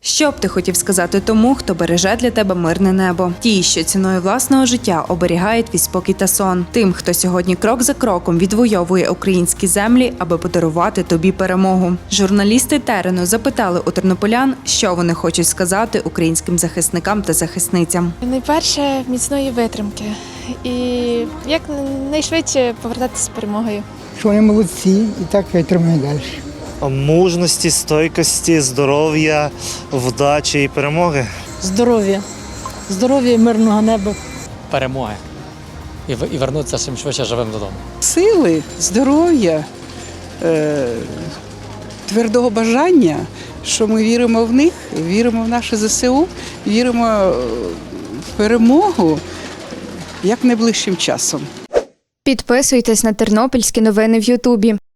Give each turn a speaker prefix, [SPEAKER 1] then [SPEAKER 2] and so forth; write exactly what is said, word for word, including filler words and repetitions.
[SPEAKER 1] Що б ти хотів сказати тому, хто береже для тебе мирне небо? Ті, що ціною власного життя оберігають твій спокій та сон. Тим, хто сьогодні крок за кроком відвоює українські землі, аби подарувати тобі перемогу. Журналісти Терену запитали у тернополян, що вони хочуть сказати українським захисникам та захисницям.
[SPEAKER 2] Найперше міцної витримки і як найшвидше повертатися з перемогою.
[SPEAKER 3] Що вони молодці і так витримають далі.
[SPEAKER 4] Мужності, стойкості, здоров'я, вдачі і перемоги.
[SPEAKER 5] Здоров'я, здоров'я і мирного неба.
[SPEAKER 6] Перемоги. І, в- і вернутися чим швидше живим додому.
[SPEAKER 7] Сили, здоров'я, е, твердого бажання, що ми віримо в них, віримо в наше зе се у, віримо в перемогу як найближчим часом.
[SPEAKER 8] Підписуйтесь на тернопільські новини в Ютубі.